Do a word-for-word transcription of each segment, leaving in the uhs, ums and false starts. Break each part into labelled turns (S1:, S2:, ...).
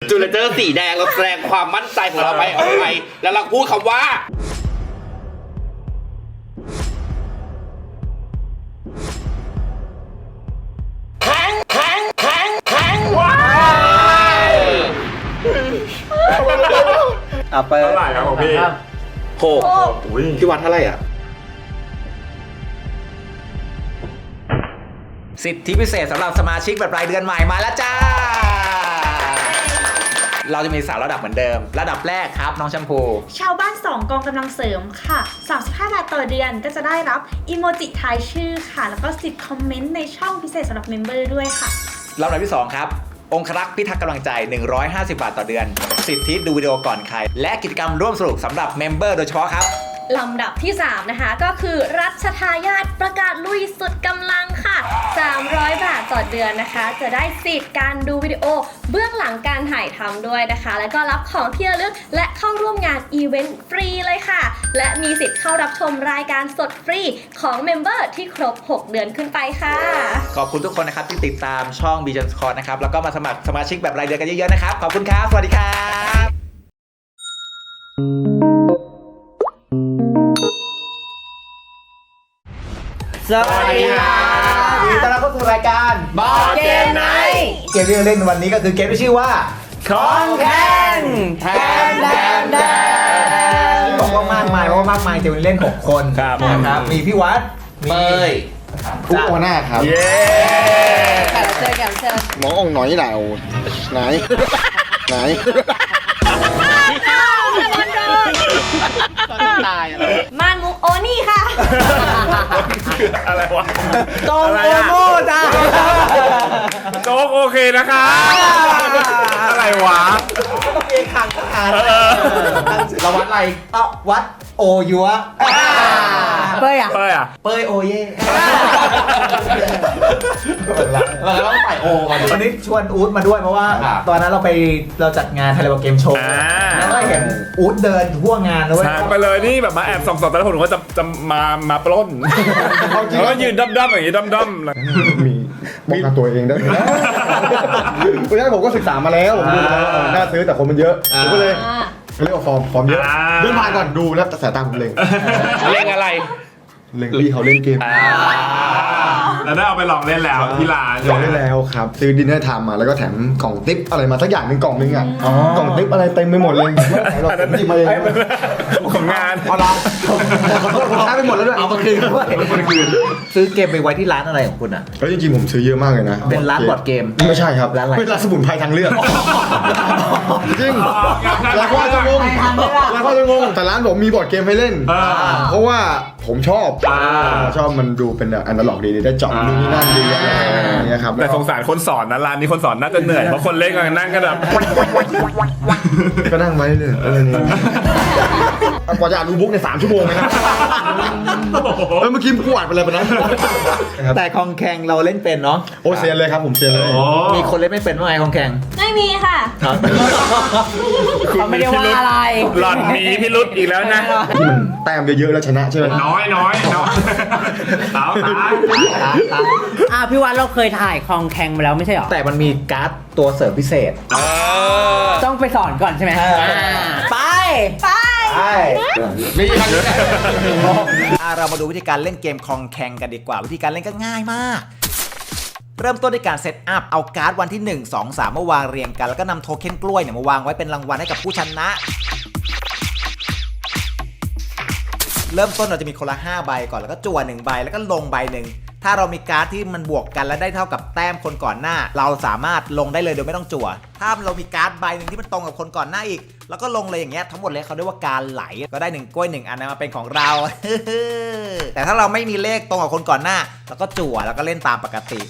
S1: จูเลเจอร์สีแดงเราแสดงความมั่นใจของเราไปออกไปแล้วเราพูดคำว่าแข็งแข็งแข็งแข็งว้าย
S2: อ่ะเปิด
S3: เท่าไหร่ครับของพี่
S1: โหพี่วัดเท่าไหร่อ่ะ
S2: สิทธิพิเศษสำหรับสมาชิกแบบรายเดือนใหม่มาแล้วจ้า เราจะมีสามระดับเหมือนเดิม ระดับแรกครับน้องแชมพู
S4: ชาวบ้านสองกองกำลังเสริมค่ะสามสิบห้าบาทต่อเดือนก็จะได้รับอีโมจิทายชื่อค่ะแล้วก็สิทธิ์คอมเมนต์ในช่องพิเศษสำหรับเมมเบอร์ด้วยค่ะ
S2: ลำดับที่สองครับองครักษ์พิทักษ์กำลังใจหนึ่งร้อยห้าสิบบาทต่อเดือนสิทธิดูวิดีโอก่อนใครและกิจกรรมร่วมสนุกสำหรับเมมเบอร์โดยเฉพาะครับ
S5: ลำดับที่สามนะคะก็คือรัชทายาทประกาศลุยสุดกำลังค่ะสามร้อยบาทต่อเดือนนะคะจะได้สิทธิ์การดูวิดีโอเบื้องหลังการถ่ายทำด้วยนะคะแล้วก็รับของที่ระลึกและเข้าร่วมงานอีเวนต์ฟรีเลยค่ะและมีสิทธิ์เข้ารับชมรายการสดฟรีของเมมเบอร์ที่ครบหกเดือนขึ้นไปค่ะ
S2: ขอบคุณทุกคนนะครับที่ติดตามช่อง Bijan Squad นะครับแล้วก็มาสมัครสมาชิกแบบรายเดือนกันเยอะๆนะครับขอบคุณครับสวัสดีครับสวัสดีครับยินดีต้อนรับเข้าสู่รายการบอร์ดเกมไนท์เกมที่เราเล่นวันนี้ก็คือเกมที่ชื่อว่าของแข่งแทนแทนแทนบอกว่ามากมายเพราะว่ามากมายจะเล่นหกคนนะครับมีพี่วัดมี
S6: ทุกโอหน้าครับ
S3: เย้
S5: แขกรับเชิญแขกรับเชิญ
S6: หมอองหน่อยหนาวไหนไหน
S1: ตายอะไร
S5: มานมุกโอนี่ค่ะ
S3: อะไรวะ
S2: ตรงโอโม่จ้า
S3: โจ๊กโอเคนะคะอะไรวะ
S2: ก็ต้องเองขังขังเราวัดอะไรเอ้าวัดโอยัวเป้ยอ่ะ
S3: เป้ยอ่ะ
S2: เป้ยโอเย่เราต้องใส่โอมาวันนี้ชวนอู๊ดมาด้วยเพราะว่าตอนนั้นเราไปเราจัดงานไทยเลเวลเกมโชว์แล้วก็เห็นอู๊ดเดินทั่วงานเลย
S3: ไปเลยนี่แบบมาแอบส่องๆแต่ละคนผมว่าจะจะมามาปล้นแล้วก็ยืนด้อมๆอย่างนี้ด้อมๆ
S6: มีป้องกันตัวเองได้เพราะฉะนั้นผมก็ศึกษามาแล้วผมดูแล้วน่าซื้อแต่คนมันเยอะผมก็เลยเรียกว่าฟอร์มฟอร์มเยอะเดินผ่านก่อนดูแล้วแต่สายตาผมเล็ง
S1: เล่นอะไร
S6: เล็งพี่เขาเล่นเกม
S3: แล้วได้เอาไปลองเล่นแล้วที่ร้าน
S6: ลองได้แล้วครับซื้อดินเนอร์ไทม์มาแล้วก็แถมกล่องติ๊บอะไรมาสักอย่างหนึ่งกล่องนึงอ่ะกล่องติ๊บอะไรเต็มไปหมดเลยไม่ไหนหรอกผมหยิบมาเอง
S3: ของงาน
S6: เอาละขอโทษผมใช้ไปหมดแล้วด้วย
S2: เอามาคืนด้วยซื้อเกมไปไว้ที่ร้านอะไรของคุณอ่ะ
S6: แล้วจริงๆผมซื้อเยอะมากเลยนะ
S2: เป็นร้านบอร์ดเกม
S6: ไม่ใช่ครับ
S2: ร้านอะไร
S6: เป็นร้านสมุนไพรทางเลือกจริงแล้วก็จะงงแล้วก็จะงงแต่ร้านผมมีบอร์ดเกมให้เล่นเพราะว่าผมชอบชอบมันดูเป็นแบบอนาล็อกดีได้เจาะนู่นนี่นั่นดีอะไรอย่างเงี้ยครับ
S3: แต่สงสารคนสอนนะร้านนี้คนสอนน่าจะเหนื่อยเพราะคนเล่นกันนั่งกันแบบ
S6: ก็นั่งไว้เลยเออนี่กว่าจะอ่านรูบุ๊กในสามชั่วโมงเลยนะเออเมื่อกี้กูอ่านไปเลยปะนะ
S2: แต่คองแข่งเราเล่นเป็นเนาะ
S6: โอ้เซียนเลยครับผมเซียนเลย
S2: มีคนเล่นไม่เป็นว่าไงคองแข่ง
S5: ไม่มีค่ะ
S3: เขาไม่ได้ว่าอะไรหล่อนมีพิรุธอีกแล้วนะ
S6: ที่มันแต้มเยอะๆแล้วชนะใช่ไหม
S3: น้อยน้อยน้อยสาวตาย
S7: อ่าพี่วันเราเคยถ่ายคลองแข่งมาแล้วไม่ใช่หรอ
S2: แต่มันมีการ์ดตัวเสริมพิเศษ
S7: ต้องไปสอนก่อนใช่ไหม
S2: เออ
S7: ไป
S2: ใช่มีเรามาดูวิธีการเล่นเกมคองแข่งกันดีกว่าวิธีการเล่นก็ง่ายมากเริ่มต้นด้วยการเซตอัพเอาการ์ดวันที่หนึ่ง สอง สามมาวางเรียงกันแล้วก็นำโทเค็นกล้วยเนี่ยมาวางไว้เป็นรางวัลให้กับผู้ชนะเริ่มต้นเราจะมีคนละห้าใบก่อนแล้วก็จั่วหนึ่งใบแล้วก็ลงใบหนึ่งถ้าเรามีการ์ดที่มันบวกกันและได้เท่ากับแต้มคนก่อนหน้าเราสามารถลงได้เลยโดยไม่ต้องจั่วถ้าเรามีการ์ดใบหนึ่งที่มันตรงกับคนก่อนหน้าอีกแล้วก็ลงเลยอย่างเงี้ยทั้งหมดเลยเขาเรียกว่าการไหลก็ได้หนึ่งกล้วยหนึ่งอันนั้นมาเป็นของเรา แต่ถ้าเราไม่มีเลขตรงกับคนก่อนหน้าเราก็จั่วแล้วก็เล่นตามปกติ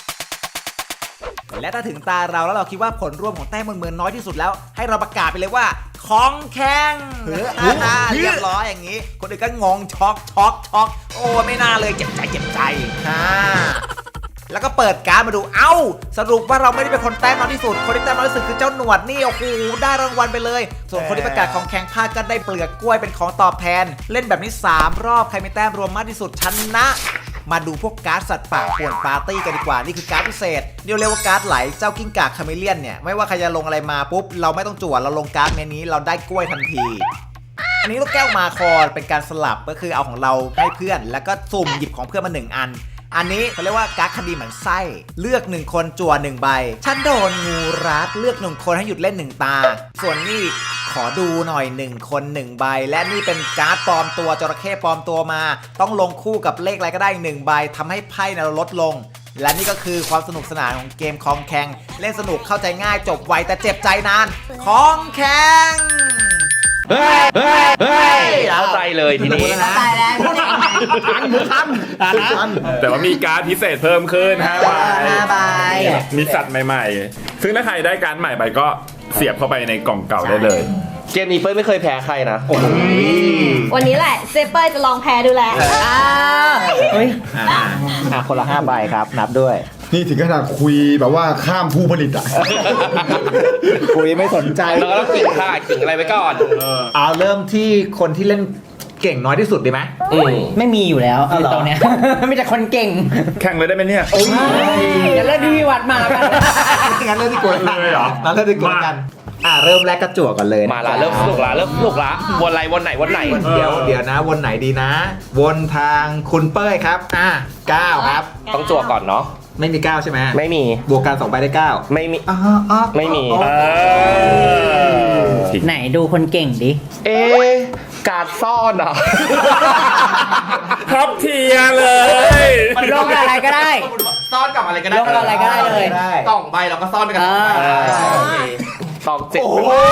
S2: และถ้าถึงตาเราแล้วเราคิดว่าผลรวมของแต้มมันเหมือนน้อยที่สุดแล้วให้เราประกาศไปเลยว่าของแข่งเรียบร้อยอย่างนี้คนอื่นก็งงช็อกช็อกช็อกโอ้ไม่น่าเลยเจ็บใจเจ็บใจฮ่าแล้วก็เปิดการ์ดมาดูเอ้าสรุปว่าเราไม่ได้เป็นคนแต้มน้อยที่สุดคนที่แต้มน้อยที่สุดคือเจ้าหนวดนี่โอ้โหได้รางวัลไปเลยส่วนคนที่ประกาศของแข่งพลาดก็ได้เปลือกกล้วยเป็นของตอบแทนเล่นแบบนี้สามรอบใครมีแต้มรวมมากที่สุดชนะมาดูพวกการ์ดสัตว์ป่าป่วนปาร์ตี้กันดีกว่านี่คือการ์ดพิเศษเรียกเรียกว่าการ์ดไหลเจ้ากิ้งก่าคาเมเลียนเนี่ยไม่ว่าใครจะลงอะไรมาปุ๊บเราไม่ต้องจั่วเราลงการ์ดเมนนี้เราได้กล้วยทันทีอันนี้ลูกแก้วมาคอเป็นการสลับก็คือเอาของเราให้เพื่อนแล้วก็สุ่มหยิบของเพื่อนมาหนึ่งอันอันนี้เขาเรียกว่าการ์ดคดีเหมือนไส้เลือกหนึ่งคนจั่วหนึ่งใบฉันโดนงูรัดเลือกหนึ่งคนให้หยุดเล่นหนึ่งตาส่วนนี่ขอดูหน่อยหนึ่งคนหนึ่งใบและนี่เป็นการ์ดปลอมตัวจระเข้ปลอมตัวมาต้องลงคู่กับเลขอะไรก็ได้หนึ่งใบทำให้ไพ่เราลดลงและนี่ก็คือความสนุกสนานของเกมคองแข่งเล่นสนุกเข้าใจง่ายจบไวแต่เจ็บใจนานคองแข่ง
S1: เฮ้ยเฮ้ยเฮ้ยเข้าใจเลยทีนี้
S7: ตายแล้วพูดได้ยังไง
S6: ทันหมูทันทัน
S3: แต่ว่ามีการ์ดพิเศษเพิ่มขึ้นห้าใบ
S7: ห้าใบ
S3: มีสัตว์ใหม่ๆ ซึ่งถ้าใครได้การ์ดใหม่ไปก็เสียบเข้าไปในกล่องเก่าได้เลย
S1: เกมนี้เปิ้ลไม่เคยแพ้ใครนะ
S5: วันนี้แหละเซเปอร์จะลองแพ้ดูแล
S7: อ้าวเฮ้ย
S2: อ่าอ่ะคนละห้าใบครับนับด้วย
S6: นี่ถึงขนาดคุยแบบว่าข้ามผู้ผลิตอ่ะ
S2: คุยไม่สนใจ
S1: เราก็ต้องกิ่งค่ะกิ่งอะไรไว้ก่อน
S2: เอาเริ่มที่คนที่เล่นเก่งน้อยที่สุดดีไหม
S1: อืม
S7: ไม่มีอยู่แล้วคือตรงเนี้ย มีแต่คนเก่ง
S3: แข่งเลยได้ไหมเนี่ย
S7: อย่าเล่นที่วัดมาแล้วกัน
S2: งั้นเริ่มที่กวนกัน
S3: เลยเหรอ
S2: งั้นเริ่มที่กวนกันอ่ะเริ่มแรกกระจั่วก่อนเลยนะ
S1: มาละเริ่มสนุกละเริ่มสนุกละวนอะไรวนไหนวนไหน
S2: เดี๋ยวเดี๋ยวนะวนไหนดีนะ วนทางคุณเป้ยครับอ่ะเก้าครับ
S1: ต้องจั่วก่อนเนาะ
S2: ไม่มีเก้าใช่ไหม
S1: ไม่มี
S2: บวกกันสองใบได้เก้า
S1: ไม่มี
S2: อ๋ออ๋อ
S1: ไม่มี
S3: เออ
S7: ไหนดูคนเก่งดิ
S1: เอ๊ะการซ่อนอ่ะ
S3: ท็อปเทียร์เลย
S7: ลงอะไรก็ได้
S1: ซ่อนกับอะไรก็ได้
S7: ลงกับอะไรก็ได้เลย
S2: ได้
S1: กล่องใบเราก็ซ่อนไปกัน
S7: เออ
S1: สองเจ็ด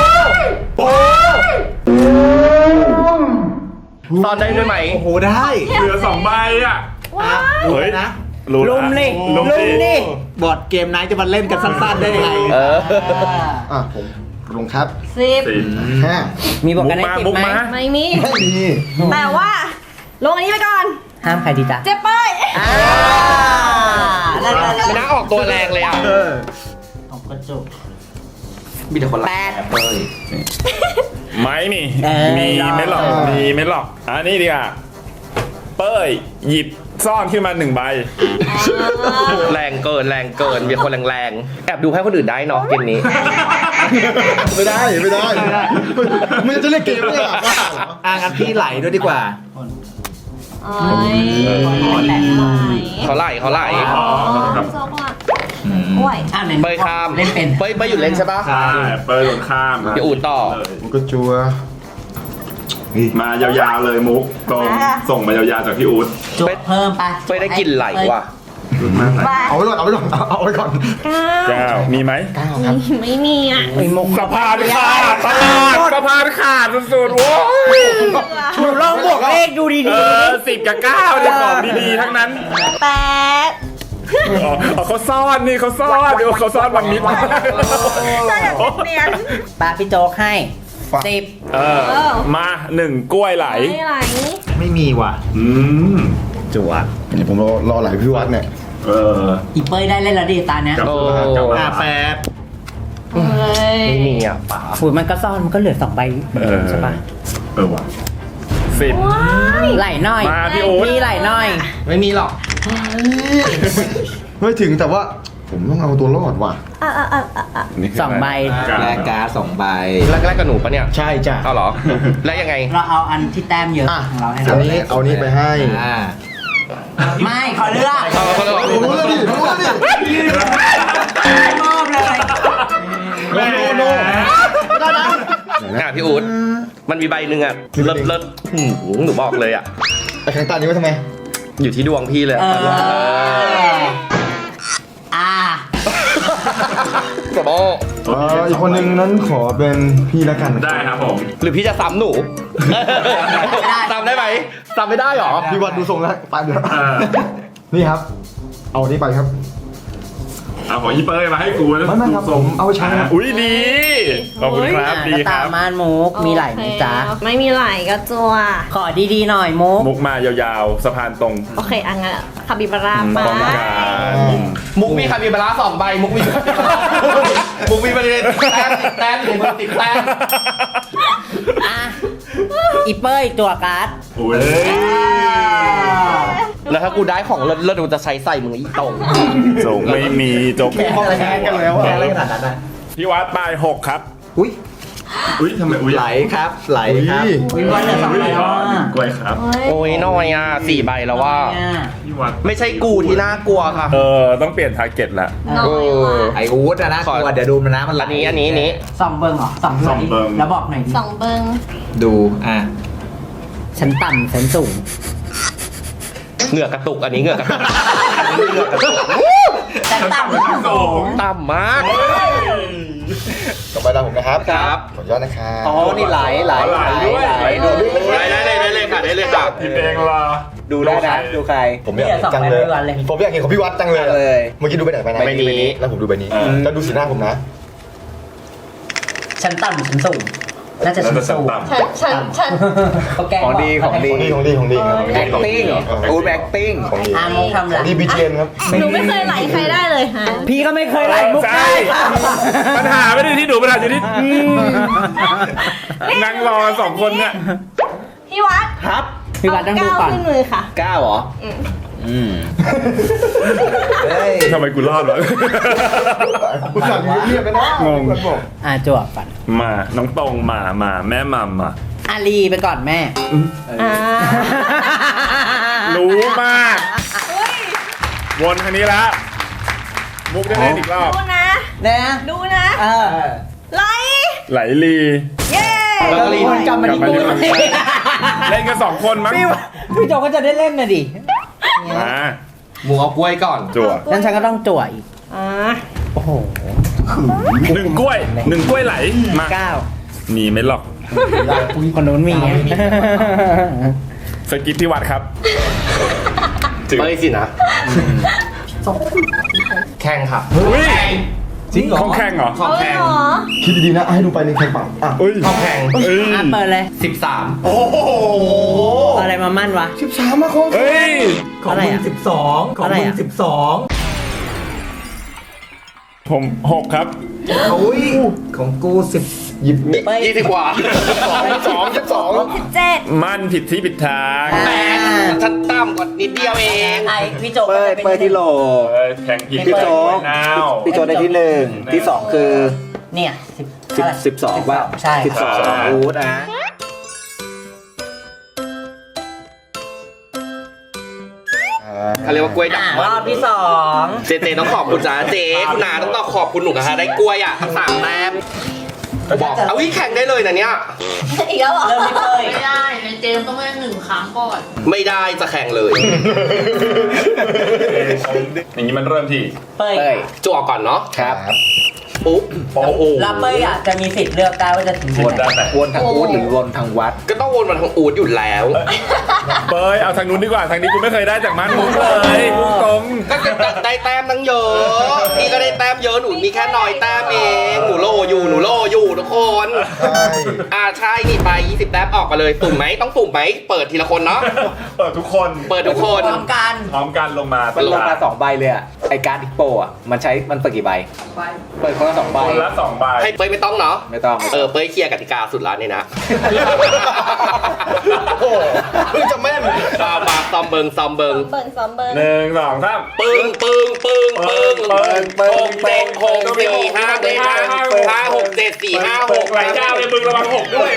S1: ซ่อนได้ด้วยไหม
S2: โอ้โหได้
S3: เหลือสองใบอ่ะ
S2: อ่ะดูนะ
S3: รู้
S7: ลุมดิ
S3: ลุม
S7: ลุมดิ
S2: บอร์ดเกมไหนจะมาเล่นกันสั้นๆได้ยังไง
S1: เออ
S6: อ่ะผมลงครับ
S5: สิบ
S3: สี่
S6: ห้า
S7: มีบอก
S3: มุ
S7: กั
S3: ก
S7: นได้
S3: มา
S7: สิบ
S3: มุก
S7: ไหม
S3: มา
S5: ไม่มี
S6: ไม่มี
S5: แต่ว่า ลงอันนี้ไปก่อน
S7: ห้ามใครดีจ้ะ
S5: เจ็บเป้ย
S7: อ่าแล้วแล้วแล้ว
S1: ไม่น่าออกตัวแรงเลยอ่ะ
S2: เออ
S7: ของกระจุก
S1: มีแต่คนรัก
S7: แปด
S1: เป้ย
S3: ไม่มี
S7: เออ
S3: มีไม่หรอก มีไม่หรอกอันนี้ดีกว่าเป้ยหยิบซ่อนขึ้นมาหนึ่งใบ
S1: แรงเกินแรงเกินมีคนแรงๆแอบดูให้คนอื่นได้เนาะเกมนี้
S6: ไม่ได้ไม่ได้มึงจะเล่นเกมไม่หรอบ้าเหรอ
S2: อ่ะงั้นพี่ไหลด้วยดีกว่า
S5: เอ้ยแหลกหน่อย
S1: เขาไล่เขาไล่
S5: อ๋อโซกว่าโอ้ย
S7: อ่ะไหน
S1: เป้ยข้าม
S7: เล่นเป็น
S1: เป้ยเป้ยหยุดเล่นใช่ปะ
S3: ใช่เป้ยโดนข้าม
S1: เดี๋ยวอูดต่อ
S6: มันก็จัว
S3: มายาวๆเลยมุกตรงส่งมายาวๆจากพี่อู๊ด
S7: จุกเพิ่มไป
S1: เป้ยได้กลิ่นไหลว่ะ
S6: เอาไว้ก่อนเอาไว้ก่อนเอาไว้ก่อน
S3: เก้ามีไหม
S5: ไม่มีอ่ะ
S7: ไอ้มุก
S3: สะพานขาดตลาดสะพานขาดสุดๆโว้ย
S7: หนูลองบวกเลขดูดี
S3: เออสิบกับเก้าเนี่ยของดีๆทั้งนั้น
S5: แปด
S3: อ๋ออ๋อเขาซ่อนนี่เขาซ่อนเดี๋ยวเขาซ่อนบางนิด
S5: ได้อย่างเนียน
S7: ๆปาพี่โจ๊กให้สิบ
S3: เออมาหนึ่งกล้วยไหล
S5: ไม่ไหล
S2: ไม่มีว่ะ
S3: อืม
S2: จั่ว
S6: เดี๋ยวผมรอรอไหลพี่วัดเนี่ย
S3: เออ
S7: อีเป้ยได้เล่นแล้วดิตาเนี้ย
S3: กลับ
S1: โอ้
S3: มากลับมา
S2: อ่ะแปด
S5: เฮ้ย
S1: ไม่มีอ่ะป๋า
S7: ฝุ่นมันก็ซ่อนมันก็เหลือสองใบ
S3: เออ
S7: ใช่ปะ
S3: เออว่ะสิบ
S7: ไหลหน่อย
S3: มาพี่โอ๊ต
S7: พี่ไหลหน่อย
S1: ไม่มีหรอก
S6: ไม่ถึงแต่ว่าผมต้องเอาตัวรอดว่ะ
S5: อ่ะอ่ะอ่ะอ่ะอ่ะ
S3: นี่คื
S7: สองใบ
S2: แลกการ์ดสองใบ
S1: แรกแรกกับหนูปะเนี่ย
S2: ใช่จ้ะ
S1: เอาเหรอ แล้วยังไง
S7: เราเอาอันที่แต้มเยอะ
S6: อ่ะ
S7: ของเราให้
S6: อั
S7: เรา
S6: นนี้เอานี้ไปให้
S2: อ่า
S7: ไม่ขอเลือก
S1: เอาเขาเลย
S6: รู้แล้วดิรู้แล้วดิ
S7: มอบเลย
S6: โนโนโนไม่ได้นะ
S1: อ่ะพี่อู๊ดมันมีใบหนึ่งอ่ะเลิศเลิศหืมหนูบอกเลยอ่ะ
S6: ไอ้แข็งตานี้ไว้ทำไม
S1: อยู่ที่ดวงพี่เลย
S7: เอ
S1: ตอนนี้
S7: ออ่า
S1: สมอ
S6: เอ่ออีกคนนึงนั้นขอเป็นพี่แล้วกัน
S3: ได้ครับผม
S1: หรือพี่จะซ้ำหนูซ้ำได้ไหมซ้ำไม่ได้หรอ
S6: พี่วัดดูทรงแล้วไปเดี๋ยว
S3: เออ
S6: นี่ครับ เอานี้ไปครับ
S3: เอาของอีเป้ยมาให้กูนะ
S6: ไม่ไม่ครับผมเอาไปใช้ครับ
S3: อุ้ยดีขอบคุณครับ
S7: อ่ะ
S3: ดี
S7: ก็
S3: ค
S7: ตา
S3: รั
S7: ม
S3: บ
S7: ม่านมุกมีไหลไหมจ๊ะ
S5: ไม่มีไหลก็จัว
S7: ขอดีๆหน่อยมุก
S3: มุกมายาวๆสะพานตรง
S5: โอเคอังั้นคาบิบาร่ามา
S3: ป้องกัน
S1: มุกมีคาบิบาร่าสองใบ มุกมีมุกมีประเด็นแต้มติดแต้มอยู่ในมือติดแต้ม
S7: อ่ะอีเป้ยตัวการ์ด
S3: อุ้ย
S1: แล้วถ้ากูได้ของเลิศเลิศกูจะใช้ใส่มึงอีตรง
S3: ส่งไม่มีจบ
S2: แค่อะไรกันแล้วแค่อะไรขนาดนั้นนะ
S3: พี่วัดไปหกครับ
S2: อุ้ย
S3: อุ้ยทำไมอุ้ย
S2: ไหลครับไหลครับ
S7: วิวันเหลือสองใบแล้วอ่ะ
S3: กล้วยครับ
S1: โอ้ยน้อยอ่ะสี่ใบแล้วว่า
S7: เนี่ย
S3: พี่วัด
S1: ไม่ใช่กูที่น่ากลัวค่ะ
S3: เออต้องเปลี่ยนทาร์เก็ตละ
S5: น้อยว่ะ
S2: ไออูดอะนะ
S1: ขอ
S2: กลัวเดี๋ยวดูมันนะมันไหล
S1: อันนี้อันนี้อันนี้
S7: สองเบิงเหรอสอง
S3: สองเบิง
S7: แล้วบอกหน่อยดิ
S5: สองเบิง
S2: ดูอ่ะ
S7: ฉันต่ำฉันสูง
S1: เหงื่อกระตุกอันนี้เหงื่อกระตุกเหงื่อกระตุก
S7: ฉันต่ำฉันสูง
S1: ต่ำมาก
S6: ต่อไปตามผมนะครับ
S1: ครับ
S6: ขออนุญาตนะครับ
S2: อ๋อนี่ไหลไหล
S3: ไหลด้วย
S2: ไหลดู
S1: ได้ได้ได้ได้เลยค่ะได้เลยค่ะ
S3: พี่เองล่ะ
S2: ดูได้นะดูใคร
S6: ผมอยากเห็นจังเลย ผมอยากเห็นของพี่วัดจังเลย
S2: เลย
S6: เมื่อกี้ดูไปไหนไปไหน
S1: ใบนี้
S6: แล้วผมดูใบนี้แล้วดูสีหน้าผมนะ
S7: ฉันต่ำฉันสูงน่าจะฉันสูง
S5: ฉันฉันฉัน
S7: เขาแกล้
S2: ของดีของดี
S6: ของดีของดีของดีของดี
S2: acting อูด acting
S6: ของดี
S7: อาโมทำ
S6: ข
S7: ไร
S6: องดีบีเจนครับ
S5: หนูไม่เคยไหลใครได้เลยฮะ
S7: พี่ก็ไม่เคยไล่มุก
S3: ใช่
S7: ได้
S3: ปัญหาไม่ได้ที่หนูปัญหาอยู่ที่อืมนั่งรอสองคนเนี่ย
S5: พี่วัด
S2: ครับ
S7: พี่วัดต้องดูก่อน
S5: เาขึ้นมือค่ะ
S2: ก้าวเหรอ
S5: อืม
S2: อืมเฮ้ย
S3: ทำไมกูรอดวะ
S6: คุณสั่งเงียบๆไปนะ
S3: งง
S6: บอก
S7: อ่ะจวบก่อน
S3: มาน้องตรงมามาแม่มัมมา
S7: อาลีไปก่อนแม่
S5: อ่า
S3: รู้มากวนคันนี้ละมุกได้เล่นอีกรอบ
S5: ดูนะ
S7: นะ
S5: ดูนะ
S7: เออ
S5: ไหล
S3: ไหลลี
S5: เย้
S1: แล้วก็รีบ
S7: วนกลับมาที่กู
S3: เล่นกันสองคนมั้ง
S7: พี่พี่โจก็จะได้เล่นนะดิ
S3: มา
S1: หมูเอากล้วยก่อน
S3: จั่ว
S7: งั้นฉันก็ต้องจั่วอีก
S5: อ่า
S7: โอ้โห
S3: หนึ่งกล้วยหนึ่งกล้วยไหลมา
S7: เก้า
S3: มีไหม่หรอก
S7: คนนู้นมีไง
S3: สกิปที่วัดครับ
S1: เป้ยสินะแข่งค่ะ
S3: อุ้ย
S2: จริงเหรอ
S3: ของแข่งเหรอ
S1: ของ
S5: เอาเล
S1: แข่
S5: ย
S1: ง
S5: เหรอ
S6: คิดดีๆนะให้ดูไปในแข่งเปล่าอ่ะ
S3: อุ้ย
S1: ของแข่ง
S3: เอ้ย
S7: อ่ะเปิดเลย
S1: สิบสาม
S3: โอ้โห
S7: อะไรมามั่นวะ
S6: สิบสามมาของ
S3: เฮ้ย
S7: อะไรอ่ะสิบสองของมึงสิบสอง
S3: ผมหกครับ
S2: อุ้ยของกูสิบ
S6: หยิบ
S1: ยี่สิบกว่า
S6: สองสิบสอง
S5: สิบเจ็ด
S3: มั่นผิดที่ผิดทาง
S1: แปดฉันต่ำกว่านิดเดียวเอง
S7: ไอพี่โจ
S2: เปิดเปิดที่โหล
S3: เอ้ยแข่งผิด
S2: พี่โจ๊ก
S3: นาว
S2: พี่โจได้ที่หนึ่งที่สองคือ
S7: เนี่ยสิบ
S2: สิบสิบสองว่า
S7: ใช่
S2: สิบสองอูดนะ
S1: เขาเรียกว่ากล้วยดั
S7: อ่ะ
S1: ก
S7: รอบที่สอง
S1: เจเจต้องขอบคุณจ้าเจคุณนาต้องต้องขอบคุณหนูนะคะได้กล้วยอ่ะทั้งสามแต้มบอกเอาวิแข่งได้เลยนะเนี่ย
S5: อีกแล้วเหรอ
S7: เริ่มที่เป้ย
S8: ไม่ได้ในเจมส์ต้องเล่นหนึ่งครั้งก่อน
S1: ไม่ได้จะแข่งเลย
S3: อย่างนี้มันเริ่มที่
S7: เป้ย
S2: เป้ย
S1: จั่วก่อนเนาะ
S2: ครับ
S1: ปุ๊บโอ้โห
S7: แล้วเป้ยอ่ะจะมีสิทธิ์เลือกได้ว่าจะถึง
S3: วน
S7: ไหน
S3: ด้านไหน
S2: วนทางอูดหรือวนทางวัด
S1: ก็ต้องวนมาทางอูดอยู่แล้ว
S3: เบยเอาทางนู้นดีกว่า ทางนี้กูไม่เคยได้จากมันมุกเลยมุกตรง
S1: ก็ได้แต้มตั้งเยอะพี่ก็ได้แต้มเยอะหนูมีแค่น้อยแต้มเองหนูโลอยู่หนูโลอยู่ทุกคน
S6: ใช่
S1: อ่าใช่นี่ไปยี่สิบแต้มออกมาเลยตุ่มไหมต้องตุ่มไหมเปิดทีละคนเนาะ
S3: เปิดทุกคน
S1: เปิดทุกคน
S7: พร้อมกัน
S3: พร้อมกันลงมา
S2: มันลงมาสองใบเลยอ่ะ ไอการ์ดดิโปอ่ะ มันใช้มันเปิดกี่ใบ เปิดคนละสองใบ
S3: คนละสองใบ
S1: ให้เป้ยไม่ต้องเนาะ
S2: ไม่ต้อง
S1: เออเป้ยเคลียร์กติกาสุดแล้วนี่นะ
S6: โอ้โหเพิ่งจะแม่น
S1: ซอมมาซอมเบิงซอมเบิง
S5: เบิงซ้อมเบิง
S3: หนึ่งสองสาม
S1: ปึ้งปึ้งปึ้งปึ้ง
S3: ปึ้งปึ้ง
S1: หกเจ็ดหกสี่ห้าเจ็ดห้าห้าหกเจ็ดสี่ห้าห
S3: ห
S1: ก
S3: กหลายเจ้าเลยมึงระวังหกด้วย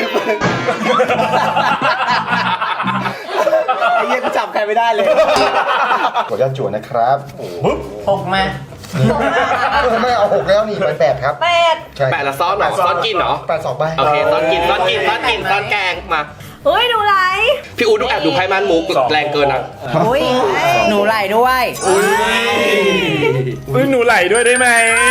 S2: ไอ้เหี้ยกูจับใครไม่ได้เลย
S6: ขออนุญาตจวนนะครับปึ๊บ
S7: หกมา
S6: ไม่เอาหกแล้วนี่ไปแปดครับ
S5: แปด
S6: ใช่
S1: แปดละซ้อนเหรอซ้อนกินเหรอ
S6: แปดสองใบ
S1: โอเคซ้อนกินซ้อนกินซ้อนกินซ้อนแกงมา
S5: เฮ้ยดูไหล
S1: พี่อูดูแอบดูไพ่มันมุกแรงเกินอ่ะ
S7: อุ้ยหนูไหลด้วย
S3: อุ้ยหนูไหลด้วยได้ไหม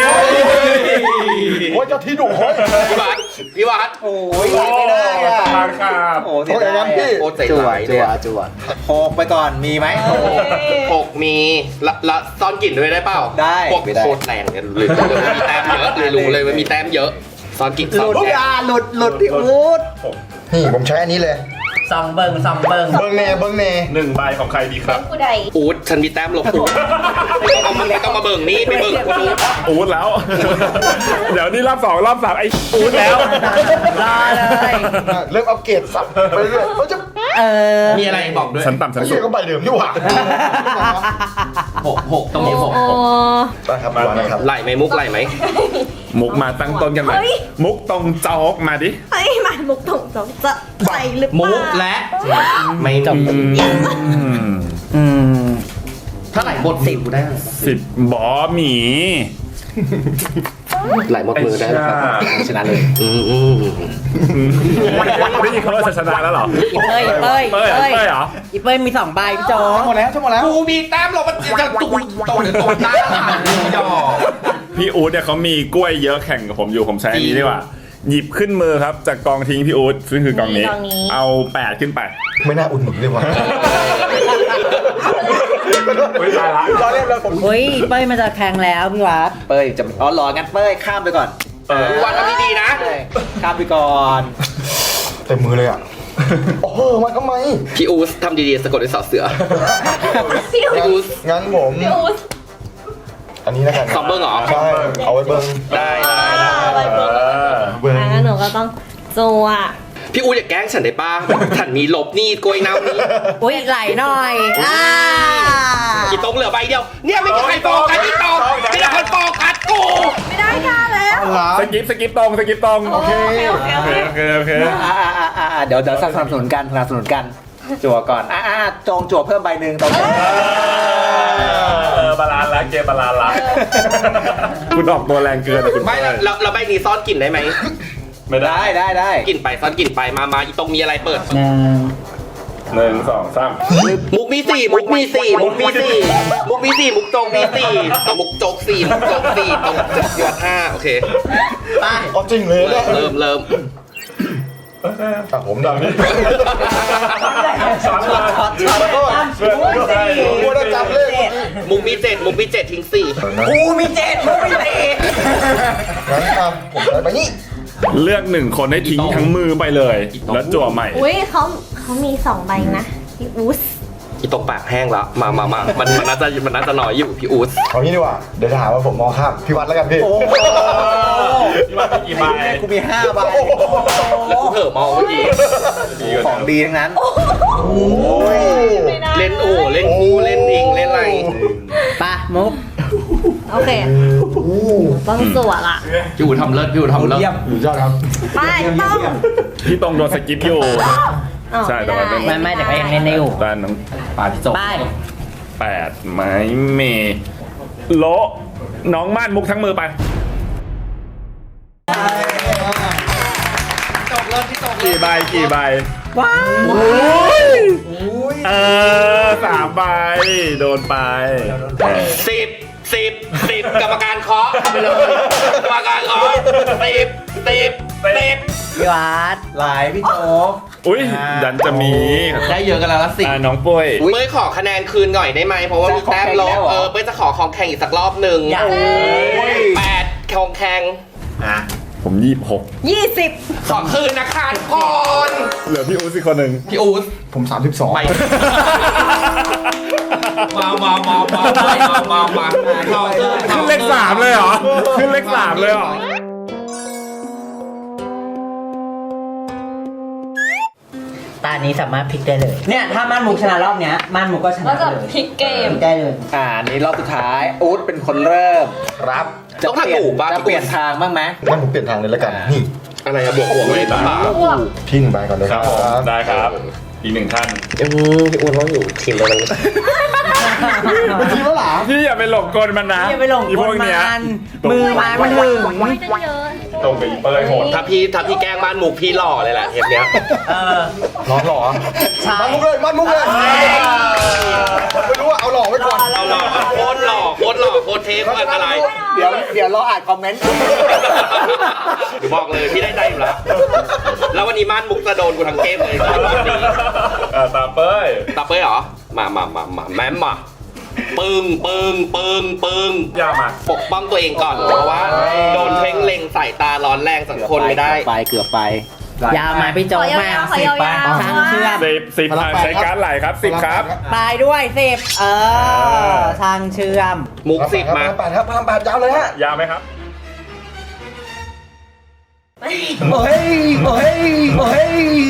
S6: โอ้ยเจ้าที่ดุเฮ้ย
S1: พี่วัดพี่วัด
S2: โอ้ยไหลไม่ได้อ่ะ
S3: ทางขาด
S2: โอ้เสียดาย
S1: โอ้ใจ
S2: จั่ว
S1: ไหล
S2: จั่
S1: เนี่
S2: วย จั่วหกไปก่อน มีไหม
S1: หกมีละละซ้อนกลิ่นด้วยได้เปล่า
S2: ได้
S1: พวก
S2: ไม่ได้
S1: โคตรแรงเลยเลยเลยมีแต้มเยอะเลยรู้เลยว่ามีแต้มเยอะซ้อนกลิ่น
S2: ห
S1: ซ้อน
S2: ลุด
S1: แกง
S2: อ่ะหลุดหลุดที่อูด
S6: นี่ผมใช้อันนี้เลย
S7: ซองเบิงซองเบิง
S6: เบิ้งเน่เบิ้งเน่
S3: หนึ่งใบของใครดีครับ
S5: กูใด
S1: อูดฉันมีแต้มลบอูดไม่ต้องมาไม่ต้องมาเบิ่งนี่ไปเบิ่งกูดู
S3: อูดแล้ว เดี๋ยวนี่รอบสองรอบสามไอ้อูดแล้ว
S7: รอเลย
S6: เริ่มอัปเกรดสับไปเรื่อยเขาจะ
S7: เออ
S1: มีอะไรบอกด้วย
S3: ชั้นต่ำชั้น
S6: ไอ้
S3: สู
S6: เหี้ย
S3: ง
S6: ก็ใบเดิมนี่หว่า
S1: หกหกตรงนี้หก
S5: โอ้
S6: ได้ครับมานะครับ
S1: ไหลไหมมุกไหลไหม
S3: มุกมาตั้งต้นกันไหมมุกตรงโจ๊กมาดิ
S5: เฮ้ยมามุกตรงตรงจะใส่หรือเป
S1: มุ
S5: ล่าก
S1: และไม่จบ
S7: อืม
S1: เท่าไหร่หมดสิบได้
S3: สิบบอหมี
S1: ไหลหมดมือได้แล้วครับชนะเลยอืมอืม
S3: ได้ยินเขาว่าจะชนะแล้วเหรอ
S7: อีเป้ยอีเป้ย
S3: เป้ย
S7: อีเป้ย
S3: เป้ยเหรอ
S7: อีเป้ยมีสองใบพี่โจ๊ก
S2: หมดแล้วชั่วโมงแล้ว
S1: กูมีแต้มลงมันจะตุ้มตรงหรือตรงหน้าดอก
S3: พี่อู๊ดเนี่ยเขามีกล้วยเยอะแข่งกับผมอยู่ผมใช้อันนี้ดีกว่า หยิบขึ้นมือครับจากกองทิ้งพี่อู๊ดซึ่งคือกองนี้ เอาแปดขึ้นไป
S6: ไม่น่าอุ่นหนุนเลยว่ะ
S3: ไม่ตายละ
S2: รอเล่นเลยผม
S7: เฮ้ยอีเป้ยมันจะแข่งแล้วพี่วัด
S2: เป้ยจะอ๋อรองั้นเป้ยข้ามไปก่อน
S1: วันทำดีๆนะ
S2: ข้ามไปก่อน
S6: เต็มมือเลยอ่ะโอ้โหมาทำไม
S1: พี่อูสทำดีๆสะกดด้วยสอเสือ
S5: พี่อู๊
S1: พี่
S5: ด
S1: อูส
S6: งั้นผม
S5: พี่อู๊ด
S6: อันนี้แล้วกัน
S1: สองเบิ้งเหรอ
S6: ใช่เอาไว้เบิ้ง
S1: ได้ได้ได้
S5: ไปเบิ้ง
S6: เบิ้ง
S5: งั้นหนูก็ต้องจัว
S1: พี่อูอย่าแกล้งฉันได้ป้าฉันมีลบนี่โกยน้ำนี่
S7: อุ้ยไหลหน่อยอ่า
S1: อีตรงเหลือใบเดียว เนี่ยไม่มีใครโฟกัสอีตรงมีแต่คนโฟกัสกู
S5: ไม่ได้ค่ะแล้ว
S6: หลา
S3: สกิปสกิปตรงสกิปตรง
S5: โอเคโอเคโอ
S3: โอ
S5: เค
S3: เคโอเคโอเค
S2: อ่าอ่าอ่าอ่าเดี๋ยวเดี๋ยวสนับสนุนกันสนับสนุนกัน จั่วก่อน อ่าอ่าจองจั่วเพิ่มใบหนึ่งตรงนี้
S3: เออบาลานซ์ละเกมบาลานซ์ละคุณออกตัวแรงเกินอะคุณ
S1: ไม่แล้วแล้วแล้วใบนี้ซ่อนกลิ่นได้ไหม
S3: ไม่ได้
S2: ได้ได้ได้
S1: กลิ่นไปซ่อนกลิ่นไปมามาอีตรงมีอะไรเปิด
S7: หนึ่ง
S3: หนึ่งสองสาม
S1: มุกมีสี่มุกมีสี่มุกมีสี่มุกมีสี่มุกโจงมีสี่มุกโจกสี่มุกโจกสี่ตรงจุดยอดห้าโอเค
S6: เอาจริงเลยเนี่ย
S1: เริ่มเริ่ม
S6: อ่ะผมดังนี่
S3: ช็อตเลย
S6: เพื่อนก็ได้ผมว่าได้จำเลข
S1: มุกมีเจ็ดมุกมีเจ็ดทิ้งสี่
S2: กูมีเจ็ดกูมีเจ็ด
S6: งั้นอ่ะผมได้ไปนี่
S3: เลือกหนึ่งคนให้ทิ้งทั้งมือไปเลย แล้วจั่วใหม่
S5: อุ้ยเขาเขามีสองใบนะพี่อู๊ด
S1: อีตรงปากแห้งแล้วมามามามันมันน่าจะมันน่าจะน้อยอยู่พี่อู๊ด
S6: เอางี้ดีกว่า เดี๋ยวจะหาว่าผมมองข้ามพี่วัดแล้วกันพี่
S2: โอ้โห
S3: พี่วัดมีกี่ใบ
S2: กูมีห้าใบ
S1: แล้วกูเผลอมองเมื่อกี้
S2: ของดีทั้งนั้น
S5: ไม่ได้
S1: เล่นโอ้เล่นคู่เล่นอิงเล่นอะไร
S7: ปะมุก
S5: โอเคต้องจัวละ
S1: พี่อู๋ทำเลิศพี่อู๋ทำเลิศ
S2: เยี่ยม
S6: อยู่ยอดครับ
S5: ไปต้อง
S3: พี่ตรงโดนสกิปอยู่
S5: อ๋อ
S3: ใช่แต่ว่าเป็น
S7: ไม่ไม่แต่ก็ยังเล่นได้อยู่
S3: ตานน้อง
S1: ปาพี่โจ
S7: ไป
S3: แปดไม้เมโละน้องม่านมุกทั้งมือไป
S1: จบเลิศพี่โจ
S3: กี่ใบกี่ใบ
S7: ว้าว
S3: เออสามใบโดนไปเออ
S1: สิบสิบสิบกรรมการเคาะไปเลยกรรมการเคาะสิบสิบสิบ
S7: พี่วัด
S2: หลายพี่โจ๊ก
S3: อุ้ยดันจะมี
S1: ได้เยอะกันแล้วละสิ
S3: อ่าน้องปุ้ย
S1: เป้ยขอคะแนนคืนหน่อยได้ไหมเพราะว่ามีแต้มลบเออเป้ยจะขอของแข่งอีกสักรอบหนึ่ง
S7: อยาก
S1: แปดของแข่ง
S2: อ่ะ
S3: ผมยี่สิบหก
S5: ยี่สิบ
S1: ขอคืนนะคะทุกคน
S3: เหลือพี่อู๊ดสิคนหนึ่ง
S1: พี่อู๊ด
S6: ผมสามสิบสอง
S1: ไปมามามามามามามา
S3: ขึ้นเลขสามเลยเหรอ ขึ้นเลขสามเลยเหรอ
S7: ตานี้สามารถพลิกได้เลย เนี่ยถ้าม่านมุกชนะรอบเนี้ยม่านมุกก็ช
S5: ก็
S7: นะ
S5: จะ
S7: เลย
S5: พลิกเกม
S7: พลิกได้เลย
S2: อ่านี่รอบสุดท้ายอู๊ดเป็นคนเริ่ม
S6: ครับ
S1: ต้องทำถูกป่ะ
S2: จะเปลี่ยนทางบ้างไหม
S6: งั้นผมเปลี่ยนทางเลยแล้วกัน นี่
S1: อะไรอะบวกบวกเลยป่ะ
S6: พี่หนึ่งใบก่อนเลย
S3: ครับผมได้ครับ อีกหนึ่งท่าน
S1: อืมพี่อู๊ดเราอยู่ทีมเดียวกัน
S6: ทีมแล้วหรอ
S3: พี่อย่าไปหลงกลมันนะ
S7: อย่าไปหลง
S3: อี
S7: ก
S3: พ
S7: ล
S3: วก
S7: มั
S3: เนี้ย
S7: นมือไม้มันถึง
S5: ไม่กันเยอะ
S3: ตรงกับอีเปอร์โหด
S1: ถ้าพี่ถ้าพี่แกล้งบ้านมุกพี่หล่อเลยแหละเทปเนี้ย
S7: เออ
S6: ร้อนหรอ
S7: ใช่
S6: มันมุกเลยมันมุกเลยไม่รู้ว่าเอาหล่อไว้ก่อน
S1: เอาหล่อโคตรหล่อโคตรหล่อโคตรเทปโคตรอะไร
S2: เดี๋ยวเดี๋ยวรออ่านคอมเมนต์
S1: บอกเลยพี่ได้ใจอยู่แล้ว แล้ววันนี้ม่านมุกจะโดนกูทั้งเกมเลยตอนนี้
S3: เออตาเป้ย
S1: ตาเป้ยเหรอ มามามามาแม่มมาปึ้งปึ้งปึ้งปึ้ง
S3: ยามา
S1: ปกป้องตัวเองก่อน เพราะว่าโดนเพ่งเล็งสายตาร้อนแรงจากคนไม่ได้
S2: ไปเกือบไป
S7: ยาวมาพี่โจ๊
S5: ข
S7: ก
S5: อยาว
S7: มา
S5: ๆขอยาว
S7: ทางเชื่อม
S3: สิบสิบอ่ะใช้การ์ดไหลครับสิบครับ
S7: ปลายด้วยสิบเออทางเชื่อม
S1: มุกสิบมา
S6: แปดครับพลังแปดยาวเลยฮะ
S3: ยาวไหมครับ
S2: โอ้ยโอ้ยโอ้ย
S3: นี่ไง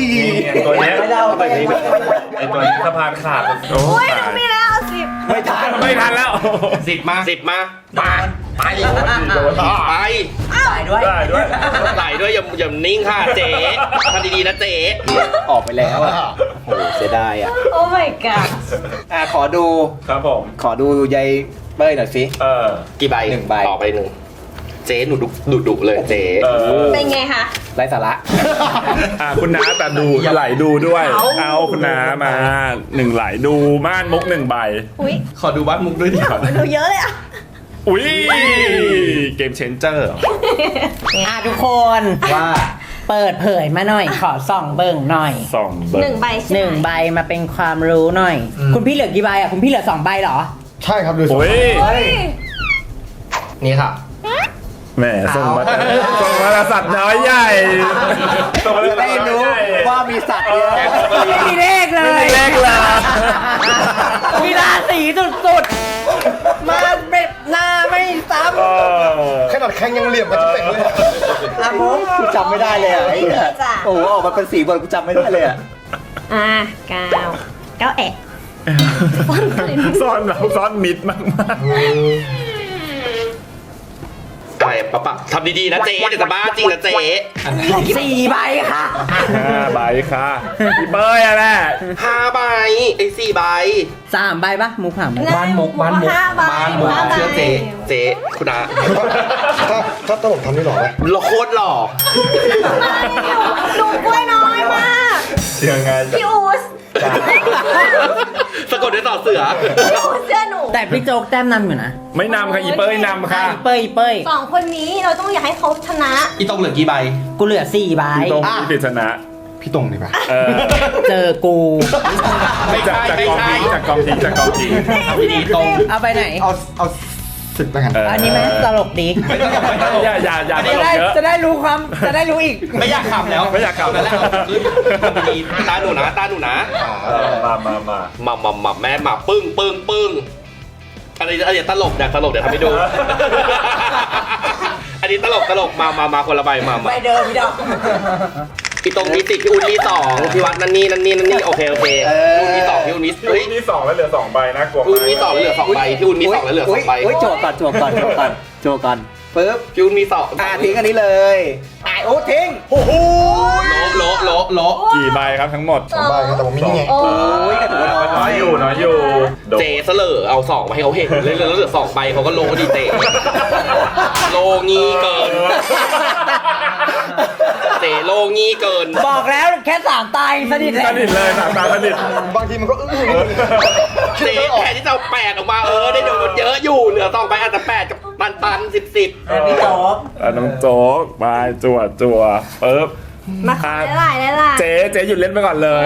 S3: ไอ้ตัวเนี้ย
S7: ไม่เล่าไม่เล่า
S3: ไอ้ตัวนี้สะพานขาดโอ้
S5: อุ้ย
S3: ตาย
S5: มีแล้วสิบ
S2: ไม่ทัน
S3: ไม่ทันแล้ว
S1: สิบมาสิบมามาไป
S3: โดน
S1: ไป
S7: ตายด้วย
S3: ได้ด้วย
S1: ไหลด้วยอย่าอย่านิ่งค่ะเจ๊ทำดีๆนะเจ๊
S2: ออกไปแล้วอ่ะโอ้โหเสียดายอ่ะ
S5: โอ้ my god
S2: อ่ะขอดู
S3: ครับผม
S2: ขอดูยายเป้ยหน่อยสิ
S3: เออ
S1: กี่ใบ
S2: หนึ่งใบ
S1: ต่อไปหนึ่งเจ๊หนูดุดุดุเลยเจ๊
S3: เออ
S5: เป็นไงคะ
S2: ไร้สาระ
S3: อ่ะคุณน้าแต่ดูไหลดูด้วย เอาคุณน้ามาหนึ่งไหลดูม่านมุกหนึ่งใบ
S5: อุ้ย
S1: ขอดูบ้านมุกด้วยดิครับ
S5: ดูเยอะเลยอ่ะ
S3: อุ้ยเกมเชนเจอร์
S7: อ่ะทุกคน
S2: ว่า
S7: เปิดเผยมาหน่อย ขอส่องเบิ่งหน่อย
S3: สองเบอร์
S5: หนึ่งใบใช่ไหม
S7: หนึ่งใบมาเป็นความรู้หน่อย คุณพี่เหลือกี่ใบอ่ะคุณพี่เหลือสองใบเหรอ
S6: ใช่ครับดูสอง
S3: โอ้ย
S5: เฮ้ย
S1: นี่ค่ะ
S3: แหมส่งมาส่งมาแล้วสัตว์น้อยใหญ่ส่งมาแล้ว
S2: จะได้รู้ว่ามีสัตว์เยอะ
S7: ไม่มีเลขเลย
S3: ไม่มีเลขเลย
S7: มีราศีสุดๆ มาแบบหน้าไม่ซ้
S3: เออ
S6: ขนาดแข้งยังเหลี่ยมกันจะเป็นเลย
S2: อ่ะมุกกูจำไม่ได้เลยอ่ะไอ้เหี้ย
S5: จ้ะ
S2: โอ้โหออกมาเป็นสีบอลกูจำไม่ได้เลยอ่ะ
S5: อ่ะเก้าเก้าแอะ
S3: ซ่อนเราซ่อนมิดมากมาก
S1: ไปปะปะทำดีๆนะเจ๊เดี๋ยวจะบ้าจริงนะเจ๊
S7: ำสี่ใบค่ะ
S3: ห้าใบค่ะพี่เป้ยอะแม่
S1: ห้าใบไอ้สี่ใบ
S7: สามใบปะมุกถามไหม
S5: บ้านมุกบ้านมุกห้าใบ
S1: บ้านมุก
S5: ห้าใบ
S1: เชื่อเจ๊เจ๊คุณอา
S6: ถ้าถ้าถ้าผมทำนี่หรอไหม
S1: หล่อโคตรหล่อ
S5: หนูกล้วยน้อยมาก
S3: ยังไง
S5: พี่อูส
S1: สะกดด้วยต่อเสือ
S5: พี่อูสเชื่อหนู
S7: แต่พี่โจ๊กแต้มนำอยู่นะ
S3: ไม่นำค่ะอีเป้ยนำค่ะ
S7: อีเป้ยอีเป้ย
S5: สองคนนี้เราต้องอยากให้เขาชนะ
S1: อีตรงเหลือกี่ใบ
S7: กูเหลือสี่ใบ
S3: พี่ตรงพี่ปริศนะ
S6: พี่ตรงดีป่ะ
S3: เออ
S7: เจอกู
S1: ไม่
S3: จาก
S1: ใช่
S3: จาก
S1: ไม่
S3: กอง
S1: ใช่
S3: ทิ้งจากกองทิ้งจากกองทิ้ง
S1: ทำดีๆตรง
S7: เอาไปไหน
S6: เอาเอาสิบแล้วกัน
S3: เ
S7: อันนี้ไหมตลกดี
S1: ไม่ต้องไม่ต้อง
S3: อย่าอย่าอย่าต
S7: จะ
S3: ลก
S7: ได้
S3: เยอะ
S7: จะได้รู้ความ จะได้รู้อีก
S1: ไม่อยากขำแล้ว
S3: ไม่อยากขำ
S1: แล้วแล้วทำดีๆตาหนูนะตาหนูนะ
S3: เออมามามา
S1: หม่ำหม่ำหม่ำแม่หม่ำปึ้งปึ้งปึ้งอะไรอะไรตลกเนี่ยตลกเดี๋ยวทำให้ดู อันนี้ตลกตลกมามามาคนละใบมามา
S7: ไปเดิมพี่ดอก
S1: พี่ตรงมีสิบพี่อุ้นมีสองพี่วัดนั่นนี่นั่นนี่นั่นนี่โอเคโอเคพี่อุ้นมีสองพี่อุ้นมี
S3: พี่
S1: เฮ้ย
S3: นี่สองแล้วเหลือสองใบนะกลัว
S1: พี่อุ้นมีสองแล้วเหลือสองใบพี่อุ้นมีสองแล้วเหลือสองใบ
S2: โอ้ยโจทย์ก่อนโจทย์ก่อนโจทย์ก่อนโจทย์ก่อนปึ๊บ
S1: พี่อุ้นมีสอง
S2: อ่ะทิ้งอันนี้เลยอ่ะโอ้ทิ้งโอ้โห
S1: โลโลโลโล
S3: กี่ใบครับทั้งหมด
S6: สองใบครับแต่ผมมีนี่ไง
S5: โอ้
S2: โอ้ยกระถือว่าน้
S3: น้
S2: อ
S3: อย ยอยู่น้อยอยู่โดน
S1: เจเสลอเอาสองมาให้เขาเห็นเลยแล้วเหลือสองใบเขาก็โลดีเจโลงี้เกินเจโลงี้เกิน
S7: บอกแล้วแค่สามตายสนิท
S3: ส
S7: แล้ว
S3: นิทเลยสามตาสนิท
S6: บางทีมันก็อื้อ
S1: เจแทนที่จะเอาแปดออกมาเออได้โดนเยอะอยู่เหลือสองใบอาจจะแปดกับตันตันสิบสิบ
S7: พี่โจ๊ก
S3: อ่ะน้องโจ๊กไปจั่วจั่วปึ๊บ
S5: มาขอได้หลายได้หลาย
S3: เจ๊เจ๊หยุดเล่นไปก่อนเลย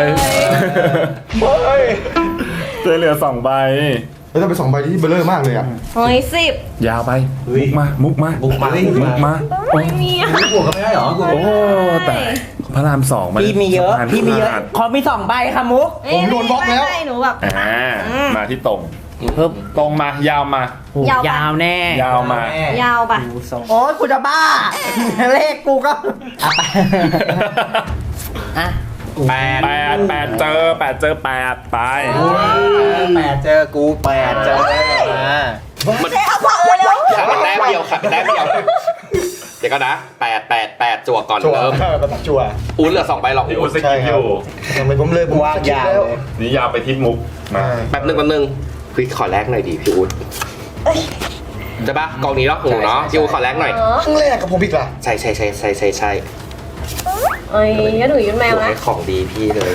S3: เจ๊เหลือสองใบ
S6: แล้วต้องเป็นสองใบที่เบลเลอร์มากเลยอ่ะ
S5: โอ้ยสิบ
S3: ยาวไปมุกมามุกมามุกมามุกมา
S5: ไม่มีอ่ะ
S2: บวกกันไม่ได้เหรอกู
S3: โอ้แต่พระรามสองมัน
S7: พี่มีเยอะ
S3: สพาน
S7: พี่มีเยอะ
S3: ขาด
S7: ขอมีสองใบค่ะมุก
S6: ผมโดนบล็อกแล้ว
S5: ไม่ไม่หนูแบบ
S3: อ่ามาที่ตรง
S7: ปึ๊บ
S3: ตรงมายาวมา
S5: ยาวปะ
S7: ยาวแน่
S3: ยาวมา
S5: ยาวปะ
S7: โอ้ยกูจะบ้า เลขกูก็อ่ะไปอ่ะ
S1: แปด
S3: แปดแปดเจอแปดเจอแปดไป
S2: แปดเจอกูแปดเจอมา
S1: มัน
S5: เจ๊เอาบอกเลยแล้ว
S1: ขาดแต้มเดียวขาดแต้มเดียวเดี๋ยวก็นะแปดแปดแปดจั่วก่อน
S6: จั่ว
S1: เริ่ม
S6: ประตัดจั่ว
S1: อุ้นเหลือสองใบหรอก
S3: พี่อุ
S1: อุ้
S3: ด
S1: น
S3: สกิปอยู่
S6: ทำไมผมเลยผม
S2: วางยาว
S6: แล้ว
S2: เลย
S3: นี่ยาวไปทิศมุกมา
S1: แป๊บนึงแป๊บนึงพี่ขอแลกหน่อยดิพี่อุ้นจะปะกองนี้เนาะหนูเนาะพี่อุ้นขอแลกหน่อย
S5: เออ
S6: ครั้งแรกกับผมอีกล่ะ
S1: ใช่ใช่ใช่ใช่ใช่ใช่
S5: เอ้ยก็หนูยืนแมว
S1: หนู
S5: นะ
S1: ให้ของดีพี่เลย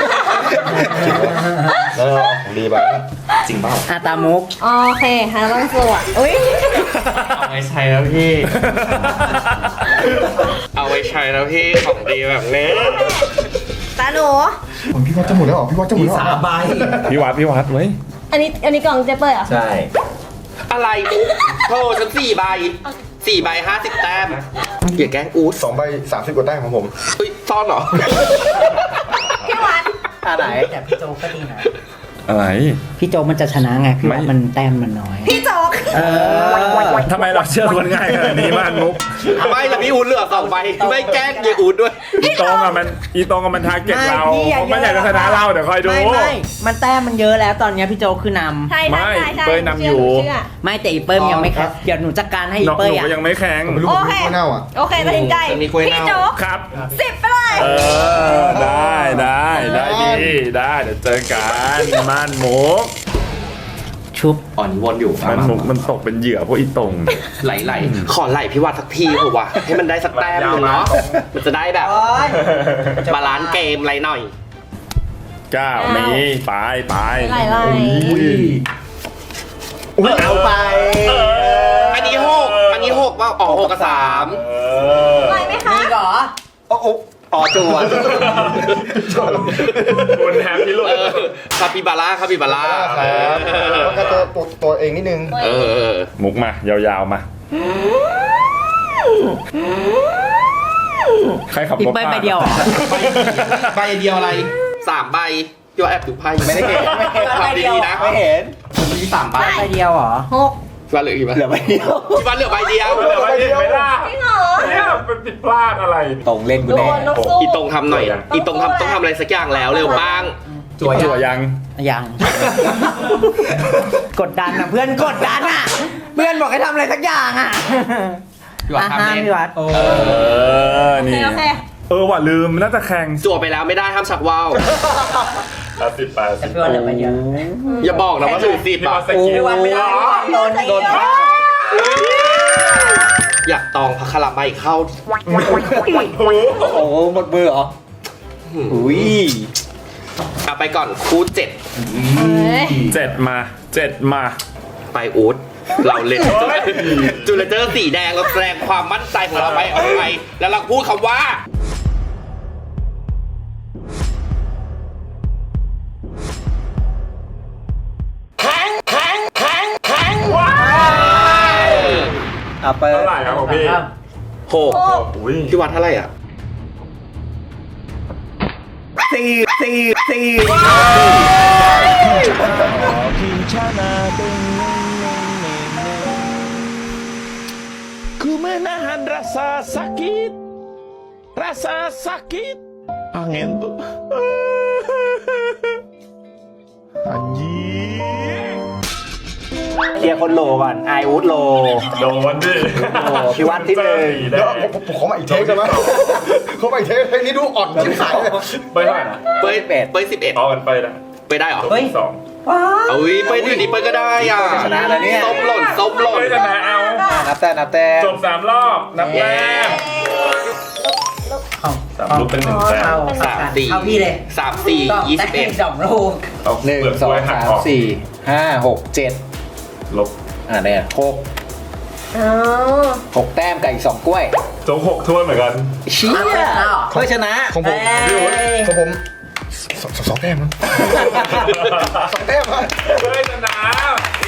S6: แล้วเราเอาของดีไป
S1: จริงเปล่า
S7: อ่ะตามมุก
S5: โอเคฮะต้องสวดอุ้ย
S1: เอาไว้ใช้แล้วพี่ เอาไว้ใช้แล้วพี่ของดีแบบนี้
S5: ตาหนู
S6: ผมพี่วัดจะหมดแล้วเหรอพี่วัดจะหมดแล้วเหรอ
S3: พี่วัดพี่วัดไว้ย
S5: อันนี้อันนี้กล่องเจ๊เปิดเหรอ่ะ
S2: ใช่
S1: อะไรมุกโธ่ฉันสี่ใบสี่ใบห้าสิบแต้มอย่าแกล้งอู๊ด
S6: สองใบสามสิบกว่าแต้มของผม
S1: เฮ้ยซ่อนเหรอ
S5: พี่วัด
S2: อ่ะไหน
S7: แต่พี่โจ๊กก็ดีนะ
S3: อะไร
S7: พี่โจ๊กมันจะชนะไง พี่ว่า
S3: ไม่
S7: มันแต้มมันน้อย
S5: พี่โจ๊ก
S7: เออ
S3: ทำไมเราเชื่อคนง่ายขนาดนี้ม่านมุก
S1: ไม่ละพี่อูดเหลือสองใบไม่แกล้งเยอูดด้วย
S3: อีตรงอ่ะมันอีตรงอ่ะมันทาร์เก็ตเรา
S7: ไม่พี่อย่า
S3: มันอยากจะชนะเราเดี๋ยวคอยดู
S7: ไม่ไม่มันแต้มมันเยอะแล้วตอนเนี้ยพี่โจคือนำ
S5: ใช่
S3: ไม่
S5: ใช่ใช่
S3: เป้ยนำอยู่
S5: เชื่
S7: ไม่แต่อีเปิ้มยังไม่แข็งเดี๋ยวหนูจัดการให้อี
S3: น้อง
S7: เปิ้
S3: ห
S7: ย
S3: นู
S7: อ่ะ
S3: ก็ยังไม่แข็ง
S6: ผมไม่รู้
S5: โอ
S6: ผม
S5: เค
S6: ไม่รู้ว่าเน่าอ่ะ
S5: โอเคตัดสินใจ
S1: จะมีกล้วยเน่า
S5: พี่โจ๊ก
S3: ครับ
S5: สิบไปเลย
S3: เออ ได้ได้ได้ดีได้เดี๋ยวเจอกันม่านมุก
S7: ชุบ
S1: อ่อนวนอยู่
S3: ม่านมุกมันตกเป็นเหยื่อพวกอีตรง
S1: ไหลไหลๆขอไหลพี่วัดสักทีเถอะวะให้มันได้สักแต้มหนึงเนาะมันจะได้แบบบาลานซ์เกมอะไรหน่อย
S3: เก้านี้ไปไป
S5: ไหลไหล
S2: อุ้ยเอาไป
S1: อันนี้หกอันนี้หกว่าอ๋อหกกับสาม
S3: เออ
S5: ไหลไหมคะ
S7: มีเหรอ
S2: โอ้โอ้อ๋อจัว
S3: คุณแฮปปี้ลูก
S1: เออคาปิบาร่าคาปิบาร่า
S6: ครับแล้วก็ตัวตัวตัวเองนิดนึง
S1: เออเออ
S3: มุกมายาวๆมา ใครขับ
S7: อี
S3: รถ
S7: เปิ้ล
S3: ผ่าน
S7: ไปเดียวเหรอ
S1: ใบเดียวอะไรสามใบโยแอบดูไพ่
S2: ไม่ได้เห็นไม่เห็น
S1: ขับดีๆนะ
S2: ไม่เห็น
S1: มีสามใบ
S7: ไปเดียวเหรอ
S5: หก
S1: พี่วัดเหลือกี่ใบ
S2: เหลือใบเดียว
S1: พี่วัดเหลือใบเดียว
S3: เหลือไว้เห็นไหมล่ะ
S5: จริงเหรอ
S3: เนี่ยเป็นผิดพลาดอะไร
S2: ตรงเล่นกู
S5: โด
S2: แน่
S5: นนกสู้
S1: อีตรงทำหน่อยอีตรงทำต้องทำอะไรสักอย่างแล้วเร็วบ้าง
S3: จั่วจั่วยัง
S7: ยัง กดดันอ่ะเพื่อนกดดันอ่ะ เพื่อนบอกให้ทำอะไรสักอย่างอ่ะ
S1: พี่วัด
S7: อ่ะ
S1: ทำ
S7: ห้าม
S1: เล่น
S7: พี่วัด
S3: เออ
S5: โอเค
S3: นี่
S5: โอเค
S3: เออว่ะลืมน่าจะแข่ง
S1: จั่วไปแล้วไม่ได้ห้ามชักว่าว
S3: แปดสิบแปดสิบ
S7: พี่วัดเหลือไปเดียว
S1: อย่าบอกนะว่าถือสิบ
S3: พี่
S1: อ่ะ
S3: มาสกิล
S7: พี่วัดไม่ได้โดนโดน
S1: อยากตองพัคคาราไมเข้า
S2: โอ้หมดมือเหรออุ้ย
S1: เอาไปก่อนคู่เจ็ด
S3: เจ็ดมาเจ็ดมา
S1: ไปอูดเราเล่น
S3: เฮ้ย
S1: จูเลเจอร์สีแดงเราแสดงความมั่นใจของเราไปเอาไปแล้วเราพูดคำว่าแข็งแข็งแข็งแข็งว้า
S2: เอาเปิด
S3: เท่าไหร่ครับของพี่
S1: หก
S3: อุ้ย
S1: พี่วัดเท่าไหร่อ่ะ
S2: สี่สี่สี่
S9: Ku menahan rasa sakit, rasa sakit, angin tuh, anjing.
S2: เคลียร์คนโลก่อนไอวูดโล
S3: โดนดิ
S2: พี่วัดที่หนึ่ง
S3: สีแด
S6: เดี๋ยว
S3: ง
S6: ผมผมขอมาอีกเทคได้ไหมขอมาอีกเทคเพลงนี้ดูอ่อนชิบหายเลย
S3: ไปเท่าไหร่นะ
S1: เป้ยเป้ยสิบเอ็ด
S3: เอากันไปนะ
S1: ไปได้เหรอ
S3: เฮ้ยสอง
S1: เอาวิเป้ยอยู่ดีเป้ยก็ได้อ่ะ
S2: ชนะแล้วเนี่ย
S1: ส้มหล่นส้มหล่น
S3: เฮ้ยชนะเอา
S2: นับแต่นับแต่
S3: จบสามรอบนับแต้มสามลูกเป็นหนึ่งแต้ม
S1: สามสี่
S7: เข้าพี่เลย
S1: สามสี่ยี่สิบเอ็ด
S7: สองลูก
S3: เอา
S2: หนึ่ง
S3: เปลืก
S2: สอก ง
S3: ล้วยหัก
S2: สาม
S3: ออก
S2: สี่ห้าหกเจ็ด
S3: ลบ
S2: อ่าเนี่ยหก
S5: อ๋อ
S2: หกแต้มกับอีกสองกล้วย
S3: โจ๊กหกถ้วยเหมือนกัน
S2: เชี่ยเพื่อชนะ
S6: ของผมของผมสองสองแต้มมั้งสองแต้มมั้ง
S3: เฮ้ยชนะ
S1: เย้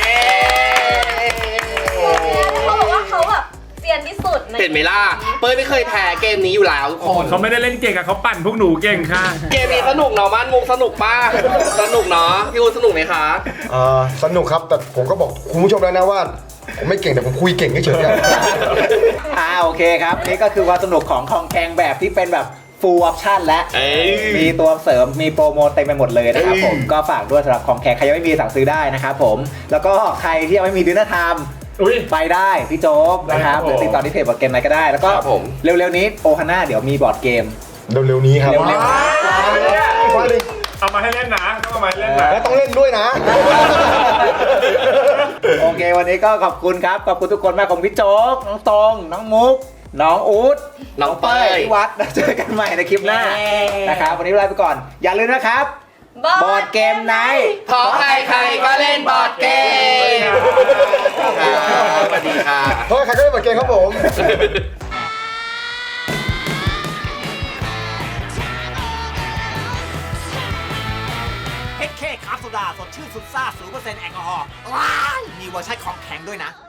S5: เขาบอกว่าเขาแบบเซียนที่สุดใน
S1: เห็นไหมล่ะ เป้ยไม่เคยแพ้เกมนี้อยู่แล้วทุกคน
S3: เขาไม่ได้เล่นเก่งอะเขาปั่นพวกหนูเก่งค่ะ
S1: เกมนี้สนุกเนาะมันมุกสนุกป้าสนุกเนาะพี่อูนสนุกไหมคะ
S6: อ่าสนุกครับแต่ผมก็บอกคุณผู้ชมแล้วนะว่า ผมไม่เก่งแต่ผมคุยเก่งเฉยๆอะ
S2: อ่าโอเคครับ นี่ก็คือความสนุกของคองแกงแบบที่เป็นแบบ full option และ
S1: เอ้ย
S2: มีตัวเสริมมีโปรโมทเต็มไปหมดเลยนะครับ
S1: เอ้ย
S2: ผมก็ฝากด้วยสำหรับของแขกใครยังไม่มีสั่งซื้อได้นะครับผมแล้วก็ใครที่ยังไม่มีดินเนอร์ไทม์
S3: อุ้ย
S2: ไปได้พี่โจ๊กนะครับ
S3: ได้ครับ
S2: หรือติดต่อที่เพจบอร์ดเกมไหนก็ได้ แล้วก็
S1: ครับผม
S2: เร็วๆนี้โอฮาน่าเดี๋ยวมีบอร์ดเกม
S6: เร็วๆนี้ครับ
S2: เร็วๆ
S6: ว่าเลย
S3: เอามาให้เล่นนะต้องเอามาให้เล่นนะ
S6: แล้วต้องเล่นด้วยนะ
S2: โอเค วันนี้ก็ขอบคุณครับ ขอบคุณทุกคนมากของพี่โจ๊ก น้องตรง น้องมุก น้องอู๊ด
S1: น้องเป้ย
S2: พี่วัดแล้วเจอกันใหม่ในคลิปหน้า
S7: เย้
S2: นะครับ วันนี้ลาไปก่อน อย่าลืมนะครับ บอร์ดเกมไนท์
S1: เพราะใครๆก็เล่นบอร์ดเกมสวัสดีค่ะ
S6: เพราะใครก็เล่นบอร์ดเกมครับผม
S2: เฮดเคครับโซดาสดชื่นสุดซ่า ศูนย์เปอร์เซ็นต์ แอลกอฮอล์ว้ายมีเวอร์ชันของแข็งด้วยนะ